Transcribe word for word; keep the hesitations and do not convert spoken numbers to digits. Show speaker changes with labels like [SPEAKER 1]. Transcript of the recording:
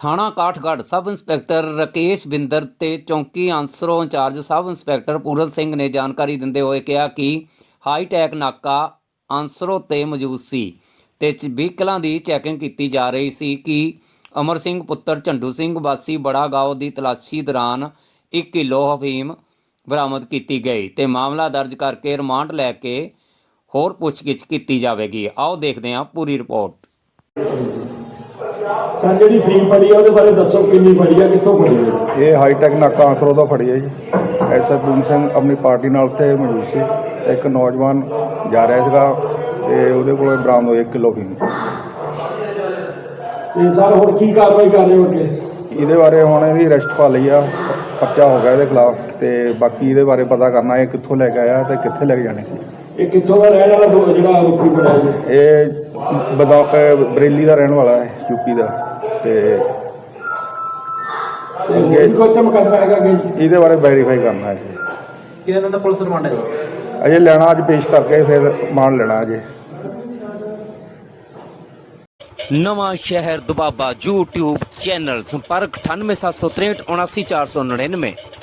[SPEAKER 1] ਥਾਣਾ Kathgarh sub inspector Rakesh Binder ਤੇ ਚੌਂਕੀ Ansro incharge sub inspector Puran Singh ਨੇ ਜਾਣਕਾਰੀ ਦਿੰਦੇ ਹੋਏ ਕਿਹਾ ਕਿ ਹਾਈਟੈਕ ਨਾਕਾ ਆਂਸਰੋ ਤੇ ਮੌਜੂਦ ਸੀ ਤੇ ਵਹੀਕਲਾਂ ਦੀ ਚੈਕਿੰਗ ਕੀਤੀ ਜਾ ਰਹੀ ਸੀ ਕਿ ਅਮਰ ਸਿੰਘ ਪੁੱਤਰ ਝੰਡੂ ਸਿੰਘ ਵਾਸੀ ਬੜਾ ਗਾਓ ਦੀ ਤਲਾਸ਼ੀ ਦੌਰਾਨ ਇੱਕ ਕਿਲੋ ਅਫੀਮ ਬਰਾਮਦ ਕੀਤੀ ਗਈ ਤੇ ਮਾਮਲਾ ਦਰਜ ਕਰਕੇ ਰਿਮਾਂਡ ਲੈ ਕੇ ਹੋਰ ਪੁੱਛਗਿੱਛ ਕੀਤੀ ਜਾਵੇਗੀ। ਆਓ ਦੇਖਦੇ ਹਾਂ ਪੂਰੀ ਰਿਪੋਰਟ।
[SPEAKER 2] ਸਰ ਜਿਹੜੀ ਫੀਮ ਫੜੀ ਆ ਉਹਦੇ ਬਾਰੇ ਦੱਸੋ, ਕਿੰਨੀ ਫੜੀ ਆ, ਕਿੱਥੋਂ ਫੜੀ ਹੈ?
[SPEAKER 3] ਇਹ ਹਾਈਟੈਕ ਨਾਕਾ ਆਂਸਰੋ ਤੋਂ ਫੜੀ ਹੈ ਜੀ। ਐਸ ਐਸ ਪੂਰਨ ਸਿੰਘ ਆਪਣੀ ਪਾਰਟੀ ਨਾਲ ਉੱਥੇ ਮੌਜੂਦ ਸੀ। ਇੱਕ ਨੌਜਵਾਨ ਜਾ ਰਿਹਾ ਸੀਗਾ ਤੇ ਉਹਦੇ ਕੋਲ ਬਰਾਮਦ ਹੋਈ ਇੱਕ ਕਿਲੋ ਫੀਮ।
[SPEAKER 2] ਤੇ ਸਰ ਹੁਣ ਕੀ ਕਾਰਵਾਈ ਕਰ ਰਹੇ ਹੋ ਅੱਗੇ?
[SPEAKER 3] ਇਹਦੇ ਬਾਰੇ ਹੁਣ ਇਹਦੀ ਅਰੈਸਟ ਪਾ ਲਈ ਆ, ਪਰਚਾ ਹੋ ਗਿਆ ਇਹਦੇ ਖਿਲਾਫ ਤੇ ਬਾਕੀ ਇਹਦੇ ਬਾਰੇ ਪਤਾ ਕਰਨਾ ਇਹ ਕਿੱਥੋਂ ਲੈ ਕੇ ਆਇਆ ਤੇ ਕਿੱਥੇ ਲੈ ਕੇ ਜਾਣੇ ਸੀ।
[SPEAKER 2] ਇਹ ਕਿੱਥੋਂ ਦਾ ਰਹਿਣ ਵਾਲਾ ਦੋ ਜਿਹੜਾ ਆਰੋਪੀ ਬਣਿਆ ਜੀ?
[SPEAKER 3] ਇਹ ਬਦਾ ਬਰੇਲੀ ਦਾ ਰਹਿਣ ਵਾਲਾ ਹੈ, ਯੂਪੀ ਦਾ। ਤੇ
[SPEAKER 2] ਅੱਗੇ ਕੋਈ ਤਾਂ ਮੁਕੱਦਮਾ ਹੈਗਾ ਅੱਗੇ?
[SPEAKER 3] ਇਹਦੇ ਬਾਰੇ ਵੈਰੀਫਾਈ ਕਰਨਾ ਹੈ ਜੀ।
[SPEAKER 4] ਕਿਹਨਾਂ ਦਾ ਪੁਲਿਸ ਰਿਮਾਂਡ ਹੈ?
[SPEAKER 3] ਅਜੇ ਲੈਣਾ ਅੱਜ ਪੇਸ਼ ਕਰਕੇ ਫਿਰ ਮਾਨ ਲੈਣਾ ਅਜੇ।
[SPEAKER 1] ਨਵਾਂ ਸ਼ਹਿਰ ਦੁਬਾਬਾ YouTube ਚੈਨਲ ਸੰਪਰਕ ਅਠਾਨਵੇਂ ਸੱਤ ਸੌ ਤਰੇਹਠ ਉਨਾਸੀ ਚਾਰ ਸੌ ਨੜਿਨਵੇਂ।